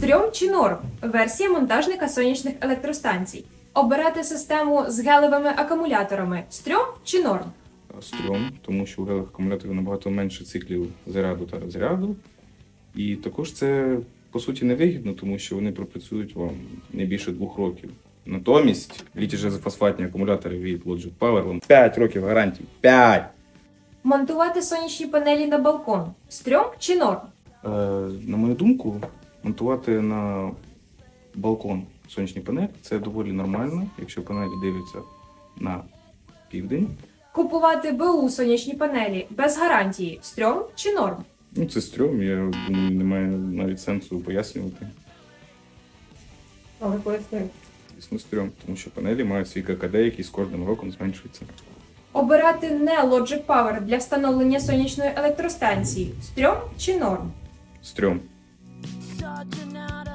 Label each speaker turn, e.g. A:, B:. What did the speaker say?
A: Стрьом чи норм? Версія монтажника сонячних електростанцій. Обирати систему з гелевими акумуляторами. Стрьом чи норм?
B: Стрьом, тому що у гелевих акумуляторів набагато менше циклів заряду та розряду. І також це, по суті, невигідно, тому що вони пропрацюють вам не більше 2 років. Натомість літій-фосфатні акумулятори від Logic Power вам 5 років гарантії. 5!
A: Монтувати сонячні панелі на балкон. Стрьом чи норм?
B: На мою думку, монтувати на балкон сонячні панелі – це доволі нормально, якщо панелі дивляться на південь.
A: Купувати БУ сонячні панелі без гарантії. Стрьом чи норм?
B: Ну, це стрьом, я думаю, немає навіть сенсу пояснювати.
A: Але поясню.
B: Звісно, стрьом, тому що панелі мають свій ККД, який з кожним роком зменшується.
A: Обирати не Logic Power для встановлення сонячної електростанції. Стрьом чи норм?
B: Стрьом.
C: Dodging out